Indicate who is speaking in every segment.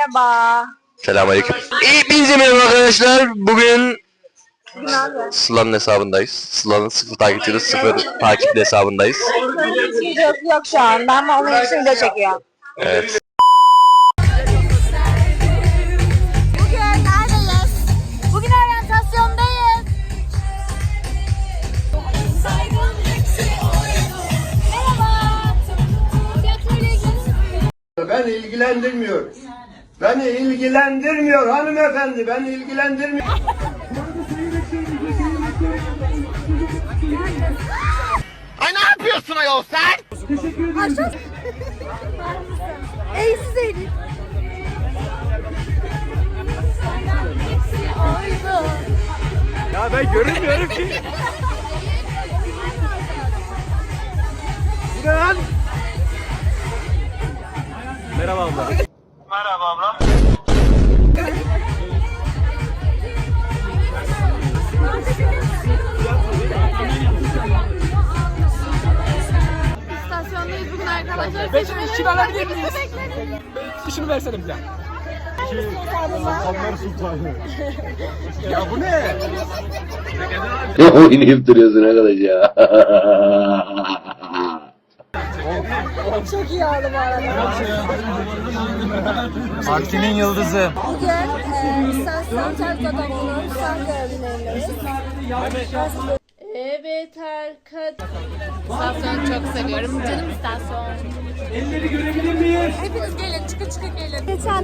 Speaker 1: Merhaba.
Speaker 2: Selamünaleyküm. Hepinize merhaba arkadaşlar. Bugün
Speaker 1: Ne yapıyorsun?
Speaker 2: Sıla'nın hesabındayız. Sıla'nın 0 takipçili 0 takipli hesabındayız.
Speaker 1: Yok şu an. Ben onun için video çekiyorum.
Speaker 2: Evet.
Speaker 1: Bugün neredeyiz? Bugün oryantasyondayız. Merhaba. Tiyatroyla ilgili.
Speaker 3: Ben ilgilendirmiyor. Beni ilgilendirmiyor hanımefendi. Beni ilgilendirmiyor.
Speaker 4: Ay ne yapıyorsun ayol sen?
Speaker 1: Aşağı. Eğsiz eğilin.
Speaker 5: Ya ben görünmüyorum ki. Bu ne lan? Merhaba abla.
Speaker 4: Merhaba abla.
Speaker 6: İstasyondayız bugün arkadaşlar.
Speaker 5: Ben şimdi işini alabilir miyiz? İşini versene bir daha. Sultanlar Sultanı. Ya bu ne?
Speaker 7: Ne oynayıp duruyorsun arkadaş ya?
Speaker 1: Çok iyi oldu bu arada.
Speaker 5: Partinin yıldızı.
Speaker 1: Bugün istasyon Terko'dan son görevlerindeyiz.
Speaker 6: Evet arkadaşlar. İstasyonu çok seviyorum. Canım istasyon. Hepiniz gelin, çıkın gelin.
Speaker 1: Geçen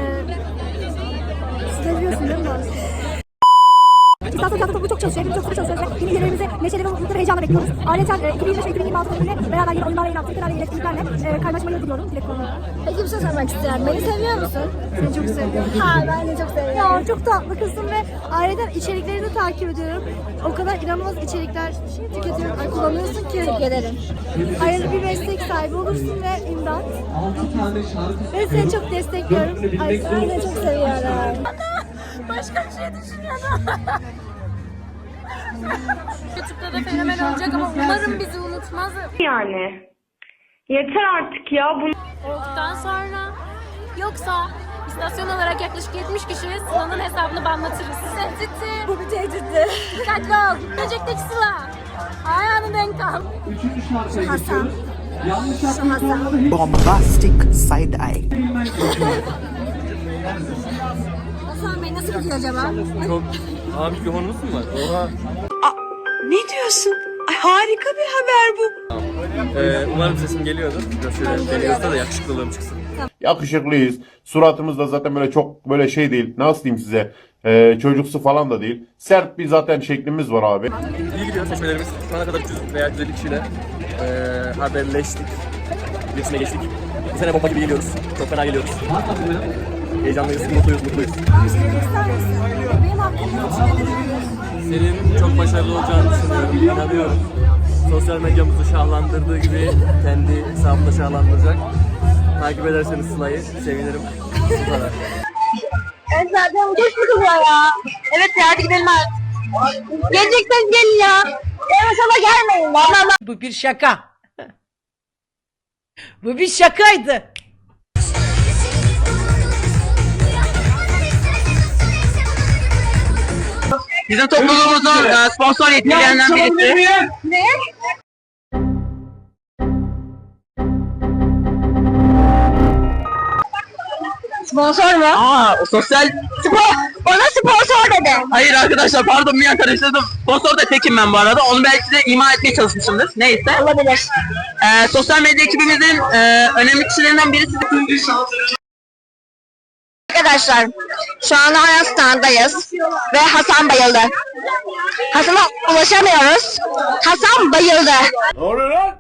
Speaker 1: siz de biliyorsun değil mi? İstasyon tiyatrosu çok çalışıyor, hepimiz çok sıkı çalışıyoruz ve yeni üyelerimizi neşeli ve mutlu ve heyecanla bekliyoruz. Ayrıca 2025 ve 2026 döneminde beraber yeni oyunlarla yeni aktivitelerle, yeni etkinliklerle kaynaşmayı diliyorum. Dilek konuları. Peki bir şey sormak istiyorum. Beni seviyor musun? Seni çok seviyorum. Ha ben de çok seviyorum. Ya çok tatlı kızım ve ayrıca içeriklerini de takip ediyorum. O kadar inanılmaz içerikler tüketiyorum. Ay, kullanıyorsun ki. Teşekkür ederim. Ayrıca bir meslek sahibi olursun ve imdat. Ben seni çok destekliyorum. Ay ben de çok seviyorum. Başka bir şey düşünüyordum.
Speaker 6: YouTube'da da fenomen olacak ama umarım bizi unutmaz.
Speaker 8: Yani. Yeter artık ya.
Speaker 6: Olduktan sonra. Yoksa istasyon olarak yaklaşık 70 kişi Sıla'nın hesabını banlatırız. Tehditti.
Speaker 1: Bu bir tehditti.
Speaker 6: Dikkatli ol. Gelecekteki Sıla. Ayağını denk al.
Speaker 1: Hasan. Şu Hasan.
Speaker 9: Bombastic side eye.
Speaker 1: Hasan Bey nasıl gidiyor acaba?
Speaker 5: Çok... Aa mikrofonumuz mu var? Oha.
Speaker 9: Ne diyorsun? Ay harika bir haber bu.
Speaker 5: Umarım sesim geliyordur. Biraz şöyle geliyorsa da yakışıklılığım çıksın.
Speaker 3: Yakışıklıyız. Suratımız da zaten böyle çok böyle şey değil. Nasıl diyeyim size? Çocuksu falan da değil. Sert bir zaten şeklimiz var abi.
Speaker 5: İyi gidiyor seçmelerimiz. Şu ana kadar 300 veya 150 kişiyle haberleştik. İletişime geçtik. Bu sene bomba gibi geliyoruz. Çok fena geliyoruz. Heyecanlıyız, mutluyuz.
Speaker 1: Benim hakkımda düşünebiliriz.
Speaker 5: Senin çok başarılı olacağını düşünüyorum, inanıyorum. Sosyal medyamızı şahlandırdığı gibi kendi hesabını da şahlandıracak. Takip ederseniz Sıla'yı sevinirim. Bu kadar.
Speaker 1: Evet zaten çok sıkılıyor ya. Evet ya hadi gidelim artık. Gelecekseniz gelin ya. Gelmesene gelmeyin. Vallahi
Speaker 9: Bu bir şaka. Bu bir şakaydı.
Speaker 4: Bizim topluluğumuzun sponsor yetkililerinden birisi.
Speaker 1: ne? Sponsor mu?
Speaker 4: Aa, sosyal...
Speaker 1: Bana sponsor dedi.
Speaker 4: Hayır arkadaşlar pardon bir an karıştırdım. Sponsor da tekim ben bu arada. Onu belki de ima etmeye çalışmışımdır. Neyse.
Speaker 1: Olabilir.
Speaker 4: Sosyal medya ekibimizin önemli kişilerinden birisi.
Speaker 1: Arkadaşlar şu anda Arastan'dayız ve Hasan bayıldı. Hasan'a ulaşamıyoruz. Hasan bayıldı.
Speaker 3: Ne oluyor lan?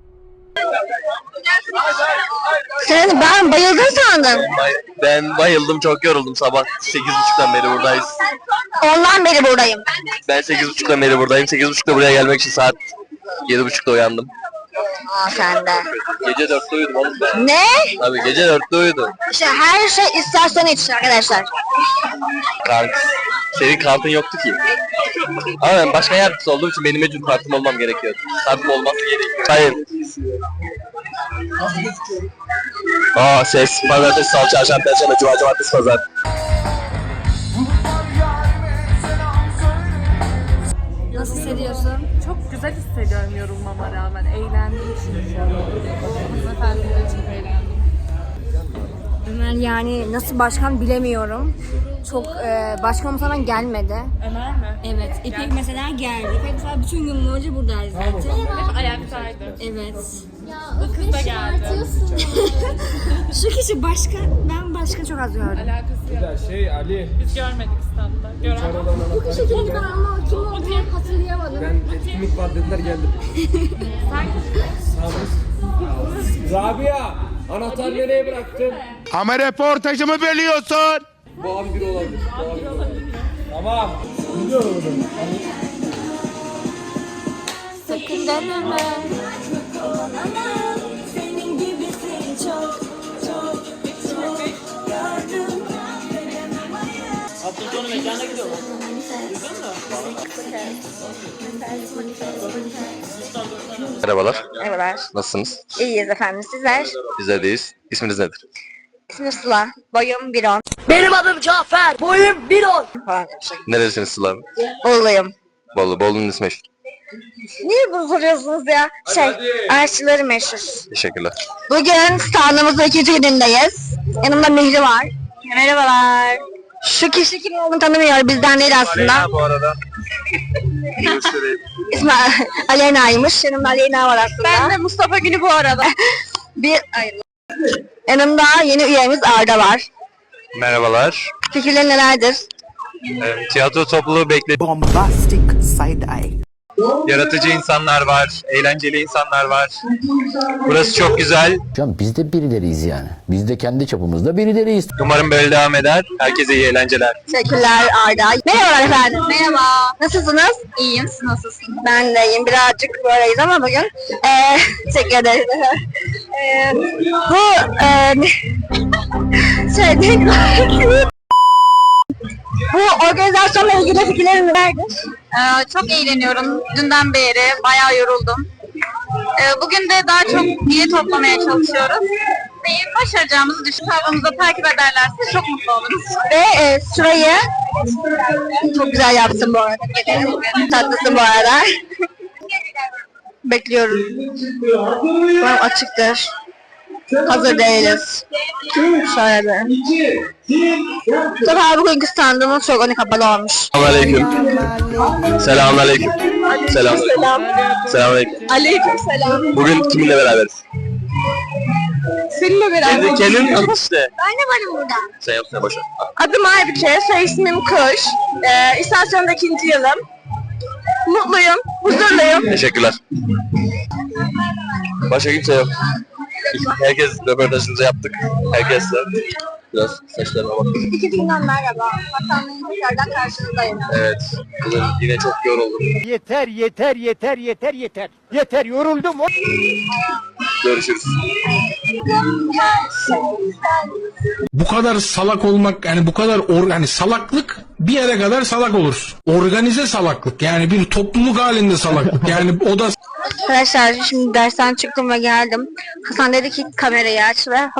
Speaker 1: Ben bayıldın sandım.
Speaker 2: Ben bayıldım, çok yoruldum. Sabah 8.30'dan beri buradayız.
Speaker 1: Ondan beri buradayım.
Speaker 2: Ben 8.30'dan beri buradayım. 8.30'da buraya gelmek için saat 7.30'da uyandım.
Speaker 1: Aa sen de.
Speaker 2: Gece 4'te uyudum oğlum ben.
Speaker 1: Ne?
Speaker 2: Tabii gece 4'te uyudum.
Speaker 1: İşte her şey istasyon için arkadaşlar.
Speaker 2: Kart. Senin kartın yoktu ki. Ama ben başka yardımcısı olduğum için benim mecbur kartım olmam gerekiyor. Kartım olması gerekiyor. Hayır. Aa ses. Pazartesi, salı, çarşamba, perşembe, cuma, cumartesi, pazar.
Speaker 1: Nasıl hissediyorsun?
Speaker 10: Çok güzel hissediyorum yorulmama rağmen. Eğlendiğim için. Hanımefendiler için eğlendim.
Speaker 1: Ömer yani nasıl başkan bilemiyorum. Çok başkan o zaman gelmedi.
Speaker 10: Ömer mi?
Speaker 1: Evet. İpek mesela geldi. İpek mesela bütün gün boyunca buradaydı zaten.
Speaker 10: Hep ayaktaydı.
Speaker 1: Evet.
Speaker 10: Bu kız da geldi.
Speaker 1: Şu kişi başkan, ben başka çok az gördüm.
Speaker 10: Alakası yok. Biz görmedik standta. Gören.
Speaker 1: Bu kişi kimdi ben ama kim olduğunu hatırlayamadım.
Speaker 5: Etkinlik var dediler geldim. Rabia, anahtar nereye bıraktın?
Speaker 3: Ama reportajımı bölüyorsun.
Speaker 5: Bu abi biri olabilir. Tamam. Biliyorum.
Speaker 1: Sakın deneme.
Speaker 4: Hafta sonu mekana gidiyorlar.
Speaker 2: Merhabalar.
Speaker 11: Merhabalar.
Speaker 2: Nasılsınız?
Speaker 11: İyiyiz efendim. Sizler?
Speaker 2: Bizler deyiz. İsminiz nedir?
Speaker 11: İsmim Sıla. Boyum 1.10.
Speaker 9: Benim adım Cafer. Boyum 1.10.
Speaker 11: Falan.
Speaker 2: Nerelisiniz Sıla abi?
Speaker 11: Oğluyum.
Speaker 2: Bolu. Bolu'nun ismi meşhur.
Speaker 11: Niye bunu soruyorsunuz ya? Aşçıları meşhur.
Speaker 2: Teşekkürler.
Speaker 11: Bugün standımızda 2. günündeyiz. Yanımda Mihri var. Merhabalar. Şu kişi kim olduğunu tanımıyor. Bizden değil aslında.
Speaker 2: Bu arada.
Speaker 11: İsmi Aleyna'ymış. Yanımda Aleyna var aslında. Ben de Mustafa Günü bu arada. Yanımda yeni üyemiz Arda var.
Speaker 2: Merhabalar.
Speaker 11: Fikirleri nelerdir?
Speaker 2: Tiyatro topluluğu bekle.
Speaker 9: Bombastic side eye.
Speaker 2: Yaratıcı insanlar var, eğlenceli insanlar var. Burası çok güzel.
Speaker 7: Can biz de birileriyiz yani. Biz de kendi çapımızda birileriyiz.
Speaker 2: Umarım böyle devam eder. Herkese iyi eğlenceler.
Speaker 11: Teşekkürler Arda. Merhabalar efendim. Merhaba. Nasılsınız? İyiyim. Siz nasılsınız? Ben de iyiyim. Birazcık böyleyiz ama bugün. Teşekkür ederim. Bu organizasyonla ilgili fikirlerin nelerdir? Çok eğleniyorum. Dünden beri bayağı yoruldum. Bugün de daha çok bilgi toplamaya çalışıyoruz. Ve başaracağımızı düşünüyorum. Tavrımızı takip ederlerse çok mutlu oluruz. Ve şurayı çok güzel yaptın bu arada. Tatlısın bu arada. Bekliyorum. Umarım açıktır. Hazır değiliz. Şöyle bir. Tabii bugünkü standımız çok önü kapalı olmuş.
Speaker 2: Selamünaleyküm. Selamünaleyküm. Selamünaleyküm. Selamünaleyküm.
Speaker 11: Aleykümselam.
Speaker 2: Bugün kiminle beraberiz?
Speaker 11: Seninle beraber.
Speaker 2: Kendin tanıt işte.
Speaker 11: Ben de varım burada.
Speaker 2: Sen yapsana boşver.
Speaker 11: Adım Aybüke, soy ismim Kuş. İstasyonda 2. yılım. Mutluyum, huzurluyum.
Speaker 2: Teşekkürler. Başka kimse yok. Herkes röportajımızı yaptık. Herkesle. Biraz saçlarıma bak.
Speaker 11: 2 günden merhaba. Hasan'ın tekrardan karşınızdayım.
Speaker 2: Evet. Kızım yine çok yoruldum.
Speaker 5: Yeter, yeter, yeter, yeter, yeter. Yeter, yoruldum.
Speaker 2: Görüşürüz.
Speaker 12: Bu kadar salak olmak yani bu kadar yani salaklık bir yere kadar salak olursun. Organize salaklık yani bir topluluk halinde salaklık yani o da.
Speaker 11: Arkadaşlar şimdi dersten çıktım ve geldim. Hasan dedi ki kamerayı aç ve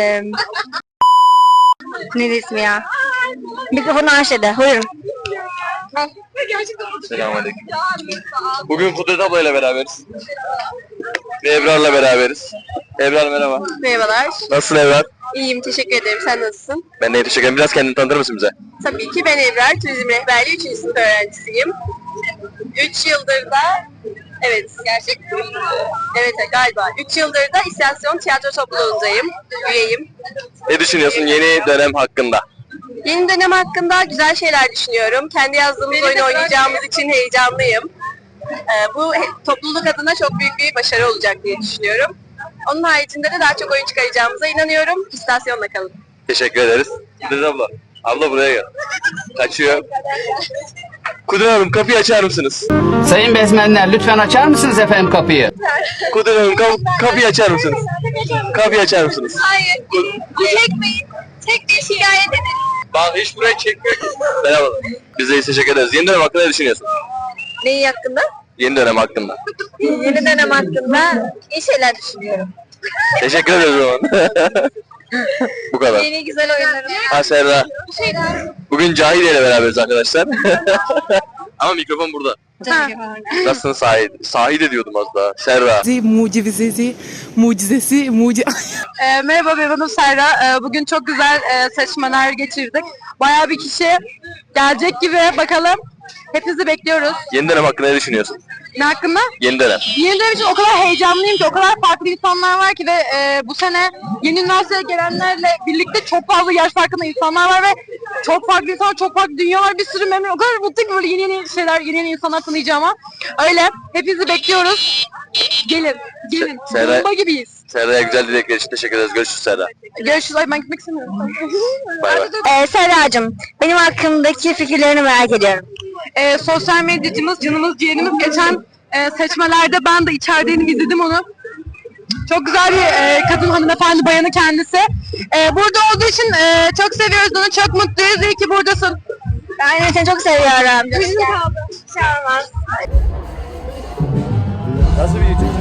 Speaker 11: ne ismi ya? Mikrofonu aç dedi. Buyurun.
Speaker 2: Selamünaleyküm. Bugün Kudret ablayla beraberiz. Ve Ebrar'la beraberiz. Ebrar merhaba.
Speaker 11: Merhabalar.
Speaker 2: Nasılsın Ebrar?
Speaker 11: İyiyim, teşekkür ederim. Sen nasılsın?
Speaker 2: Ben de teşekkür ederim. Biraz kendini tanıtır mısın bize?
Speaker 11: Tabii ki ben Ebrar, turizm rehberliği 3. sınıf öğrencisiyim. 3 yıldır da, evet gerçekten, evet galiba 3 yıldır da İstasyon Tiyatro Topluluğundayım, üyeyim.
Speaker 2: Ne düşünüyorsun yeni dönem hakkında?
Speaker 11: Yeni dönem hakkında güzel şeyler düşünüyorum. Kendi yazdığımız oyunu oynayacağımız için heyecanlıyım. Bu topluluk adına çok büyük bir başarı olacak diye düşünüyorum. Onun haricinde de daha çok oyun çıkaracağımıza inanıyorum. İstasyonla kalın.
Speaker 2: Teşekkür ederiz. Kudret abla. Abla buraya gel. Kaçıyor. Kudret Hanım kapıyı açar mısınız?
Speaker 13: Sayın bezmenler lütfen açar mısınız efendim kapıyı?
Speaker 2: Kudret Hanım kapıyı açar mısınız? Kapıyı açar mısınız?
Speaker 11: Hayır. Çekmeyin. Tek bir şikayet edin.
Speaker 2: Bak hiç buraya çekmiyor ki. Merhabalar. Biz de teşekkür ederiz. Yeni dönem hakkında ne düşünüyorsun?
Speaker 11: Neyi hakkında?
Speaker 2: Yeni dönem hakkında.
Speaker 11: Yeni dönem hakkında iyi şeyler düşünüyorum.
Speaker 2: Teşekkür ederiz o zaman. Bu kadar.
Speaker 11: Yeni güzel oyunlarım.
Speaker 2: Ha Serra. Bugün Cahide ile beraberiz arkadaşlar. Ama mikrofon burada. Nasılsın Sahide? Sahide diyordum az daha. Serra.
Speaker 11: Merhaba ben adım Serra. Bugün çok güzel seçmeler geçirdik. Bayağı bir kişi gelecek gibi, bakalım. Hepinizi bekliyoruz.
Speaker 2: Yeni dönem hakkında ne düşünüyorsun?
Speaker 11: Ne hakkında?
Speaker 2: Yeni dönem.
Speaker 11: Yeni dönem için o kadar heyecanlıyım ki, o kadar farklı insanlar var ki ve bu sene yeni üniversiteye gelenlerle birlikte çok fazla yaş farkında insanlar var ve çok farklı insanlar, çok farklı dünyalar, bir sürü memnun. O kadar mutluyum ki böyle yeni şeyler, yeni insanlar tanıyacağıma. Öyle, hepinizi bekliyoruz. Gelin, gelin.
Speaker 2: Serra-
Speaker 11: Bomba gibiyiz.
Speaker 2: Serra'ya güzel dilekler için teşekkür ederiz. Görüşürüz Serra.
Speaker 11: Görüşürüz. Ay ben gitmek istemiyorum.
Speaker 2: Bay bay.
Speaker 1: Serracığım, benim hakkımdaki fikirlerini merak ediyorum.
Speaker 11: Sosyal medyacımız, canımız, ciğerimiz geçen seçmelerde ben de içerideydim, izledim onu. Çok güzel bir kadın, hanımefendi, bayanı kendisi. Burada olduğu için çok seviyoruz onu, çok mutluyuz. İyi ki buradasın.
Speaker 1: Ben de seni çok seviyorum.
Speaker 11: Bizim kaldı.
Speaker 5: Nasıl bir YouTube?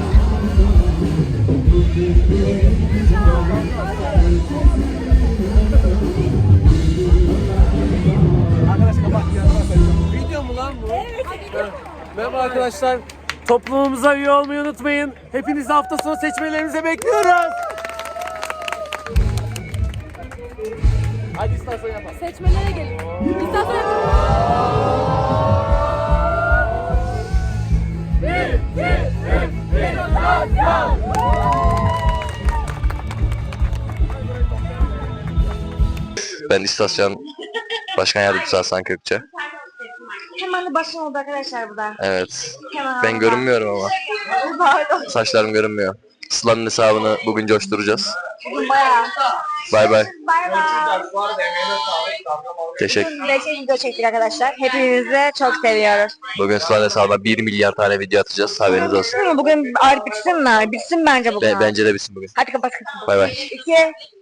Speaker 5: Video mu lan bu? Evet. Merhaba arkadaşlar. Toplumumuza üye olmayı unutmayın. Hepinizi hafta sonu seçmelerimize bekliyoruz. Hadi istasyon yapalım.
Speaker 6: Seçmelere gelin. İstasyon yapın.
Speaker 2: Ben istasyon başkan yardımcısı Hasan Kökçe.
Speaker 1: Hemen de başım oldu arkadaşlar burada.
Speaker 2: Evet.
Speaker 1: Hemen
Speaker 2: Ben görünmüyorum ama.
Speaker 1: Pardon.
Speaker 2: Saçlarım görünmüyor. Sıla'nın hesabını bugün coşturacağız.
Speaker 1: Bugün bayağı.
Speaker 2: Bay bay.
Speaker 1: Bay bay.
Speaker 2: Teşekkür.
Speaker 1: Bugün de video çektik arkadaşlar. Hepinizi çok seviyoruz.
Speaker 2: Bugün Sıla'nın hesabına 1 milyar tane video atacağız. Haberiniz olsun.
Speaker 1: Bugün artık bitsin mi? Bitsin bence bugün.
Speaker 2: Bence de bitsin bugün.
Speaker 1: Hadi kapat.
Speaker 2: Bay bay.
Speaker 1: 2